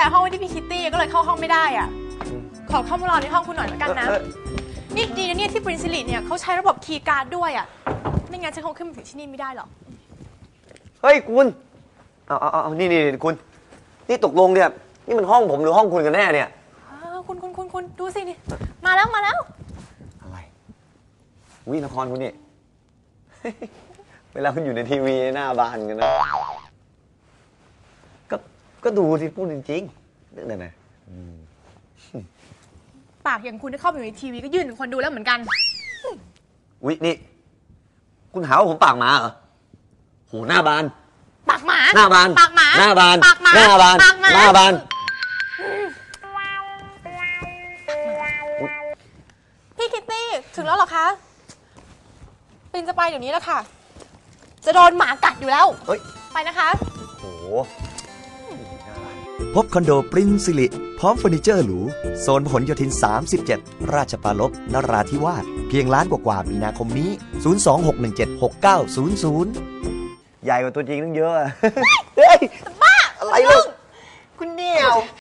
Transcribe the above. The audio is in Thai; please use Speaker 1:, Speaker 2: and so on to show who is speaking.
Speaker 1: ห้องไว้ที่พี่คิตตี้ก็เลยเข้าห้องไม่ได้อ่ะขอเข้ามารอในห้องคุณหน่อยแล้วกันนะนี่ดีนะเนี่ยที่ปรินซิลิเนี่ยเขาใช้ระบบคีย์การ์ดด้วยอ่ะไม่งั้นฉันคงขึ้นมาถึงที่นี่ไม่ได้หรอก
Speaker 2: เฮ้ยคุณเอานี่คุณนี่ตกลงเนี่ยนี่มันห้องผมหรือห้องคุณกันแน่เนี่ย
Speaker 1: คุณดูสินี่มาแล้ว
Speaker 2: อะไรวินครคุณนี่ เวลาคุณอยู่ในทีวีหน้าบ้านกันนะก็ดูสิพูดจริงๆนึกเลยนะ
Speaker 1: ปากอย่างคุณที่เข้าไปอยู่ในทีวีก็ยื่นถึงคนดูแล้วเหมือนกัน
Speaker 2: วินี่คุณหาว่าผมปากหมาเหรอโหหน้าบาน
Speaker 1: ปากหมา
Speaker 2: หน้าบาน
Speaker 1: ปากหมา
Speaker 2: หน้าบาน
Speaker 1: ปากหมา
Speaker 2: หน้าบานหน้าบาน
Speaker 1: พี่คิตตี้ถึงแล้วเหรอคะปินจะไปเดี๋ยวนี้แล้วค่ะจะโดนหมากัดอยู่แล้วไปนะคะ
Speaker 2: โอ้โห
Speaker 3: พบคอนโดปรินซิลิพร้อมเฟอร์นิเจอร์หรูโซนพหลโยธิน37ราชปรารภนราธิวาสเพียงล้านกว่ามีนาคมนี้026176900ใหญ่กว่าตัวจริงตั้งเยอะเฮ้ย
Speaker 1: บ้า
Speaker 2: อะไรลูกคุณเดี่ยว